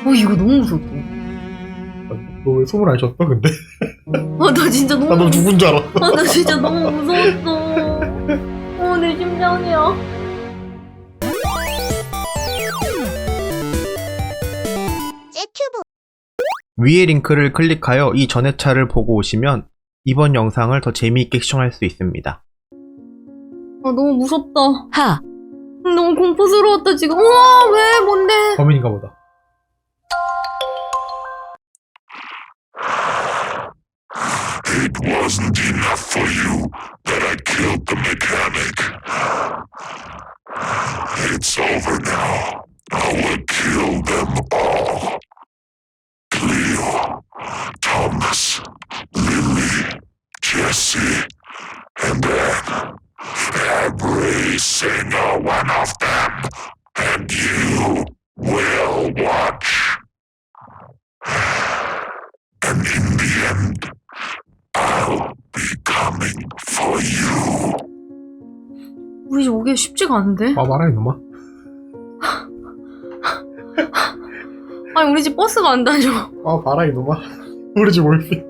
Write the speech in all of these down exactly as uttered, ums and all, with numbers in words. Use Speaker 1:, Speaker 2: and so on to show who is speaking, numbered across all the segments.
Speaker 1: 어 이거 너무 무섭다.
Speaker 2: 너 왜 숨을 안 쉬었어 근데?
Speaker 1: 아 나 진짜 너무.
Speaker 2: 나 너 죽은 줄 알았어.
Speaker 1: 아 나 진짜 너무 무서웠어. 어 내 심장이야.
Speaker 3: 위의 링크를 클릭하여 이 전회차를 보고 오시면 이번 영상을 더 재미있게 시청할 수 있습니다.
Speaker 1: 아 너무 무섭다.
Speaker 4: 하.
Speaker 1: 너무 공포스러웠다 지금. 우와 왜 뭔데?
Speaker 2: 범인인가 보다.
Speaker 5: It wasn't enough for you that I killed the mechanic. It's over now. I will kill them all. Cleo, Thomas, Lily, Jesse, and then every single one of them. And you will watch. And in the end, I'll be coming for you.
Speaker 1: 우리 오기 쉽지가 않은데?
Speaker 2: 아 말아 이놈아.
Speaker 1: 아니 우리 집 버스가 안 다녀.
Speaker 2: 아 봐라 이놈아. 우리 집 올게.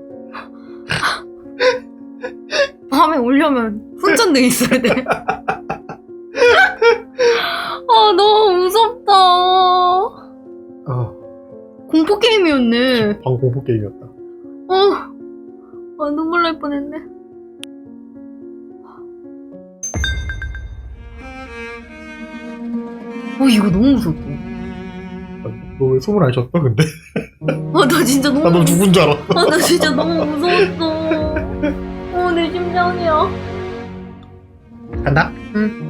Speaker 1: 밤에 오려면 훈전등 있어야 돼. 아 너무 무섭다.
Speaker 2: 아
Speaker 1: 공포 게임이었네.
Speaker 2: 방금 공포 게임이었다.
Speaker 1: 어, 아 눈물 날 뻔했네. 어 이거 너무 무섭다.
Speaker 2: 너 왜 숨을 안 쉬었어 근데?
Speaker 1: 아 나 진짜 너무.
Speaker 2: 나 너 죽은 줄 알았어.
Speaker 1: 아 나 진짜 너무 무서웠어. 어 내 심장이야.
Speaker 2: 간다.
Speaker 1: 응.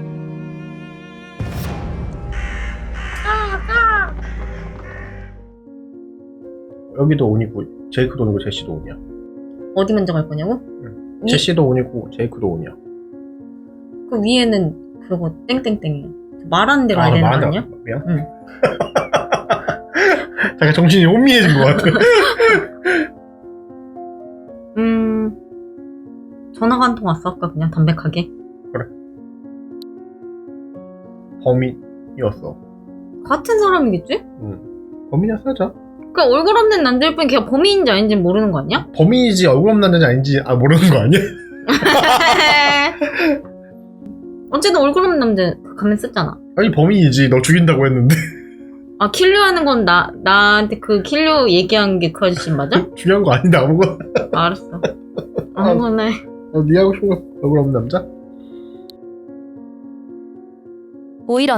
Speaker 2: 여기도 온이고 제이크도 온이고 제시도 온이야.
Speaker 1: 어디 먼저 갈 거냐고?
Speaker 2: 응.
Speaker 1: 위?
Speaker 2: 제시도 온이고 제이크도 온이야.
Speaker 1: 그 위에는 그거 땡땡땡이야. 말하는 대로
Speaker 2: 아,
Speaker 1: 해야 되는 거
Speaker 2: 말한다.
Speaker 1: 아니야?
Speaker 2: 미안.
Speaker 1: 응.
Speaker 2: 잠깐 정신이 혼미해진 것 같아.
Speaker 1: 음 전화가 한 통 왔어 아까 그냥 담백하게.
Speaker 2: 범인이었어.
Speaker 1: 같은 사람이겠지?
Speaker 2: 응. 범인이었어 하자.
Speaker 1: 그 얼굴 없는 남자일 뿐 걔가 범인인지 아닌지 모르는 거 아니야?
Speaker 2: 범인이지 얼굴 없는 남자인지 아닌지 아 모르는 거 아니야?
Speaker 1: 어쨌든 얼굴 없는 남자 가면 썼잖아.
Speaker 2: 아니 범인이지. 너 죽인다고 했는데.
Speaker 1: 아 킬류 하는 건 나 나한테 그 킬류 얘기한 게 그 아저씨 맞아?
Speaker 2: 중요한 거 아닌데 아무거나.
Speaker 1: 아, 알았어. 아무거나 해.
Speaker 2: 어, 네 하고 싶은 거 얼굴 없는 남자?
Speaker 4: 오이런.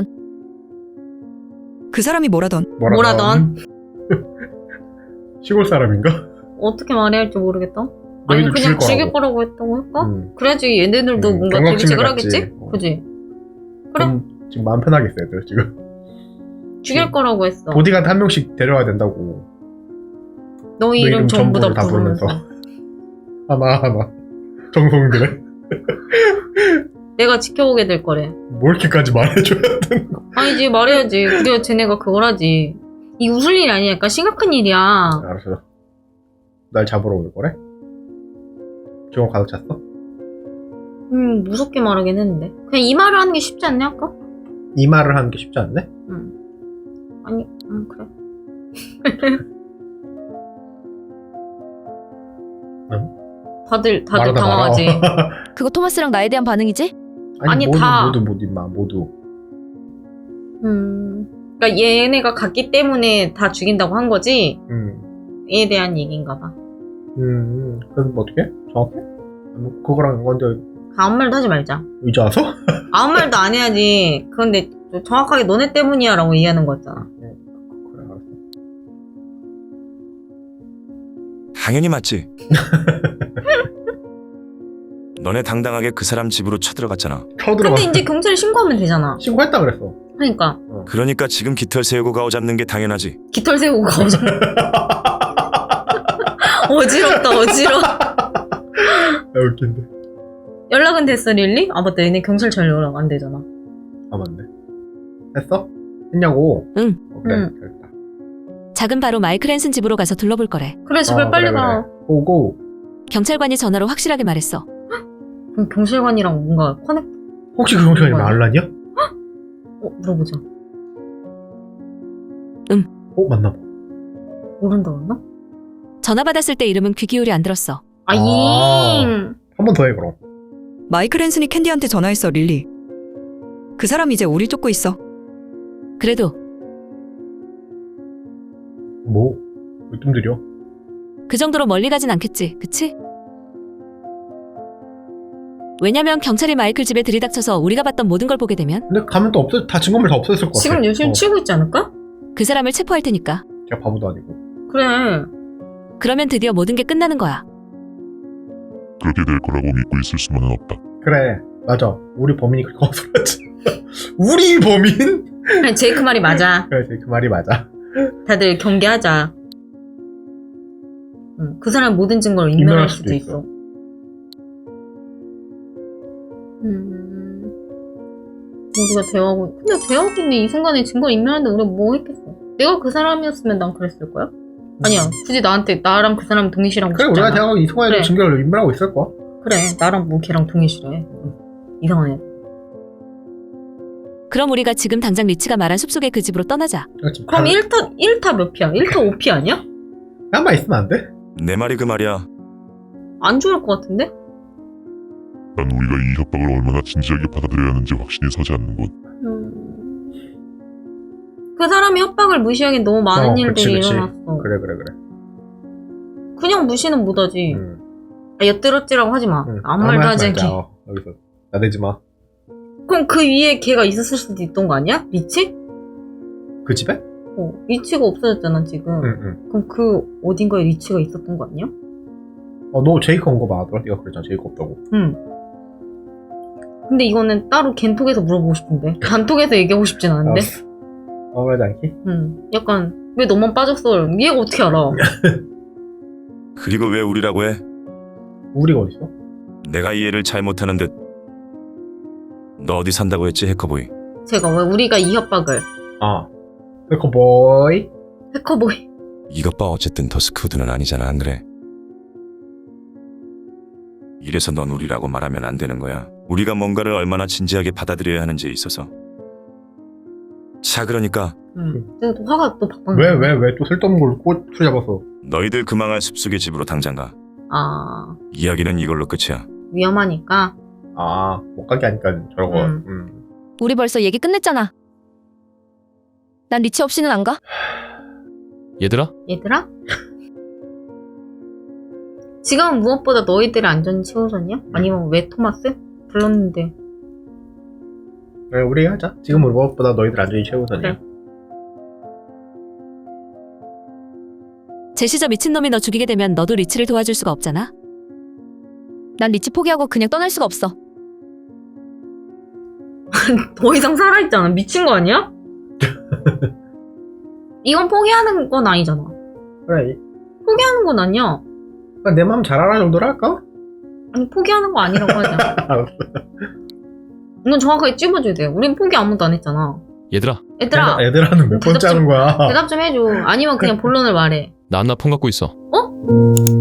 Speaker 4: 그 사람이 뭐라던.
Speaker 1: 뭐라던?
Speaker 2: 시골 사람인가?
Speaker 1: 어떻게 말해야 할지 모르겠다. 아니
Speaker 2: 너희들
Speaker 1: 그냥
Speaker 2: 죽일
Speaker 1: 죽일
Speaker 2: 거라고.
Speaker 1: 거라고 했다고 할까?
Speaker 2: 음.
Speaker 1: 그래야지 얘네들도
Speaker 2: 음,
Speaker 1: 뭔가
Speaker 2: 경각심을
Speaker 1: 대비책을
Speaker 2: 갖지.
Speaker 1: 하겠지?
Speaker 2: 어.
Speaker 1: 그지? 그래?
Speaker 2: 음, 지금 마음 편하게 있어 애들 지금.
Speaker 1: 죽일
Speaker 2: 지금
Speaker 1: 거라고 했어.
Speaker 2: 보디가드 한 명씩 데려와야 된다고.
Speaker 1: 너희
Speaker 2: 너
Speaker 1: 이름 전부 다
Speaker 2: 전부를
Speaker 1: 부르면서.
Speaker 2: 하나 하나. 정성들의.
Speaker 1: 내가 지켜보게 될 거래.
Speaker 2: 뭐 이렇게까지 말해줘야 되는 거.
Speaker 1: 아니지 말해야지. 그래야 쟤네가 그걸 하지. 이 웃을 일이 아니야. 약간 심각한 일이야.
Speaker 2: 알았어. 날 잡으러 올 거래? 지금 가득 찼어?
Speaker 1: 음 무섭게 말하긴 했는데. 그냥 이 말을 하는 게 쉽지 않냐 아까?
Speaker 2: 이 말을 하는 게 쉽지 않네?
Speaker 1: 응. 아니 응 그래.
Speaker 2: 응?
Speaker 1: 다들 다들
Speaker 2: 말하다
Speaker 1: 당황하지.
Speaker 2: 말아.
Speaker 4: 그거 토마스랑 나에 대한 반응이지?
Speaker 2: 아니,
Speaker 1: 아니,
Speaker 2: 모두,
Speaker 1: 다.
Speaker 2: 모두 모두 임마 모두.
Speaker 1: 음. 그러니까 얘네가 갔기 때문에 다 죽인다고 한 거지.
Speaker 2: 음.
Speaker 1: 얘에 대한 얘기인가 봐.
Speaker 2: 음. 그래서 뭐 어떻게? 정확해? 아니, 그거랑 먼저
Speaker 1: 아무 말도 하지 말자.
Speaker 2: 이제 와서?
Speaker 1: 아무 말도 안 해야지. 그런데 정확하게 너네 때문이야 라고 얘기하는 거였잖아.
Speaker 2: 그래 알았어.
Speaker 6: 당연히 맞지. 너네 당당하게 그 사람 집으로 쳐들어갔잖아.
Speaker 2: 쳐들어가.
Speaker 1: 근데 이제 경찰에 신고하면 되잖아.
Speaker 2: 신고했다 그랬어.
Speaker 1: 그러니까
Speaker 6: 그러니까 지금 깃털 세우고 가오 잡는 게 당연하지.
Speaker 1: 깃털 세우고 가오자. 어지럽다 어지러워.
Speaker 2: 아 웃긴데.
Speaker 1: 연락은 됐어 릴리? 아 맞다 얘네 경찰차 연락 안 되잖아.
Speaker 2: 아 맞네. 했어? 했냐고?
Speaker 4: 응.
Speaker 2: 어, 그래
Speaker 1: 응.
Speaker 2: 됐다.
Speaker 4: 작은 바로 마이클 앤슨 집으로 가서 둘러볼 거래.
Speaker 1: 그래 제발
Speaker 2: 어,
Speaker 1: 빨리
Speaker 2: 그래,
Speaker 1: 가.
Speaker 2: 그래. 고고.
Speaker 4: 경찰관이 전화로 확실하게 말했어.
Speaker 1: 그럼 경찰관이랑 뭔가 커넥
Speaker 2: 혹시 그 경찰이
Speaker 1: 뭐야?
Speaker 2: 말란이야?
Speaker 1: 어 물어보자.
Speaker 2: 어 맞나 봐.
Speaker 1: 모른다고 했나?
Speaker 4: 전화 받았을 때 이름은 귀 기울이 안 들었어.
Speaker 1: 아, 잉.
Speaker 2: 한 번 더 해 그럼.
Speaker 7: 마이클 앤슨이 캔디한테 전화했어, 릴리. 그 사람 이제 우리 쫓고 있어.
Speaker 4: 그래도
Speaker 2: 뭐? 왜 좀 느려?
Speaker 4: 그 정도로 멀리 가진 않겠지, 그치? 왜냐면 경찰이 마이클 집에 들이닥쳐서 우리가 봤던 모든 걸 보게 되면
Speaker 2: 근데 가면 또 없어, 다 증거물 다 없어졌을 것 같아.
Speaker 1: 지금 열심히
Speaker 2: 어,
Speaker 1: 치고 있지 않을까?
Speaker 4: 그 사람을 체포할 테니까.
Speaker 2: 걔 바보도 아니고.
Speaker 1: 그래.
Speaker 4: 그러면 드디어 모든 게 끝나는 거야.
Speaker 5: 그렇게 될 거라고 믿고 있을 수만은 없다.
Speaker 2: 그래, 맞아. 우리 범인이 그렇게 거슬렀지. 우리 범인?
Speaker 1: 아니, 제이크 말이 맞아.
Speaker 2: 그래, 그 말이 맞아.
Speaker 1: 다들 경계하자. 응, 그 사람 모든 증거를
Speaker 2: 인멸할
Speaker 1: 인멸할
Speaker 2: 수도
Speaker 1: 수도
Speaker 2: 있어.
Speaker 1: 있어. 음, 우리가 대화하고, 근데 대화하고 있는 이 순간에 증거를 인멸하는데 우리가 뭐 했겠어? 내가 그 사람이었으면 난 그랬을 거야? 아니야, 굳이 나한테 나랑 그 사람 동일시라고
Speaker 2: 그래,
Speaker 1: 싶잖아.
Speaker 2: 우리가 대화하고 이 순간에도
Speaker 1: 그래.
Speaker 2: 증거를 인멸하고 있을 거야.
Speaker 1: 그래, 나랑 뭐 걔랑 동일시래. 응. 이상한 애.
Speaker 4: 그럼 우리가 지금 당장 리치가 말한 숲속의 그 집으로 떠나자.
Speaker 2: 그렇지.
Speaker 1: 그럼 일 타, 일 타 몇 피야? 일 타 오 피 아니야?
Speaker 2: 한번 있으면 안 돼?
Speaker 6: 내 말이 그 말이야.
Speaker 1: 안 좋을 것 같은데?
Speaker 5: 난 우리가 이 협박을 얼마나 진지하게 받아들여야 하는지 확신이 서지 않는군.
Speaker 1: 음... 그 사람이 협박을 무시하기엔 너무 많은
Speaker 2: 어,
Speaker 1: 일들이
Speaker 2: 그치, 그치.
Speaker 1: 일어났어.
Speaker 2: 그래, 그래, 그래.
Speaker 1: 그냥 무시는 못하지.
Speaker 2: 응.
Speaker 1: 아, 엿들었지라고 하지 마.
Speaker 2: 응.
Speaker 1: 아무 말도 하지
Speaker 2: 말자.
Speaker 1: 않게.
Speaker 2: 어, 여기서 나대지 마.
Speaker 1: 그럼 그 위에 걔가 있었을 수도 있던 거 아니야? 리치?
Speaker 2: 그 집에?
Speaker 1: 어, 리치가 없어졌잖아 지금.
Speaker 2: 응, 응.
Speaker 1: 그럼 그 어딘가에 리치가 있었던 거 아니야?
Speaker 2: 어, 너 제이크 온 거 맞더라? 네가 그랬잖아, 제이크 없다고.
Speaker 1: 응. 근데 이거는 따로 겐톡에서 물어보고 싶은데 단톡에서 얘기하고 싶진 않은데.
Speaker 2: 알았어. 어, 그러지 않기?
Speaker 1: 응. 약간 왜 너만 빠졌어? 얘가 어떻게 알아?
Speaker 6: 그리고 왜 우리라고 해?
Speaker 2: 우리가 어딨어?
Speaker 6: 내가 이해를 잘 못하는 듯. 너 어디 산다고 했지, 해커보이?
Speaker 1: 제가 왜 우리가 이 협박을
Speaker 2: 아. 해커보이.
Speaker 1: 해커보이.
Speaker 6: 이것 봐, 어쨌든 더스크우드는 아니잖아, 안 그래? 이래서 넌 우리라고 말하면 안 되는 거야. 우리가 뭔가를 얼마나 진지하게 받아들여야 하는지에 있어서. 자, 그러니까
Speaker 1: 응. 근데 또 화가 또 박박.
Speaker 2: 왜, 왜, 왜 또 쓸데없는 걸로 꼬투리 잡아서.
Speaker 6: 너희들 그 망할 숲속의 집으로 당장 가.
Speaker 1: 아,
Speaker 6: 이야기는 이걸로 끝이야.
Speaker 1: 위험하니까.
Speaker 2: 아, 못 가게 하니까 저러고.
Speaker 1: 음.
Speaker 2: 음.
Speaker 4: 우리 벌써 얘기 끝냈잖아. 난 리치 없이는 안 가?
Speaker 8: 얘들아?
Speaker 1: 얘들아? 지금 무엇보다 너희들의 안전이 최우선이야? 아니면 왜 토마스? 불렀는데.
Speaker 2: 그래, 우리 하자. 지금 우리 무엇보다 너희들 안전이 최우선이야.
Speaker 1: 그래.
Speaker 4: 제시 저 미친놈이 너 죽이게 되면 너도 리치를 도와줄 수가 없잖아. 난 리치 포기하고 그냥 떠날 수가 없어.
Speaker 1: 더 이상 살아있잖아. 미친 거 아니야? 이건 포기하는 건 아니잖아.
Speaker 2: 그래.
Speaker 1: 포기하는 건 아니야.
Speaker 2: 그러니까 내 마음 잘 알아 정도로 할까?
Speaker 1: 아니, 포기하는 거 아니라고 하자.
Speaker 2: 알았어.
Speaker 1: 이건 정확하게 찝어줘야 돼. 우린 포기 아무도 안 했잖아.
Speaker 8: 얘들아,
Speaker 1: 얘들아,
Speaker 2: 애들아는 몇 번째
Speaker 1: 대답 좀-
Speaker 2: 하는 거야?
Speaker 1: 대답 좀 해줘. 아니면 그냥 본론을 말해.
Speaker 8: 나 안나 폰 갖고 있어.
Speaker 1: 어?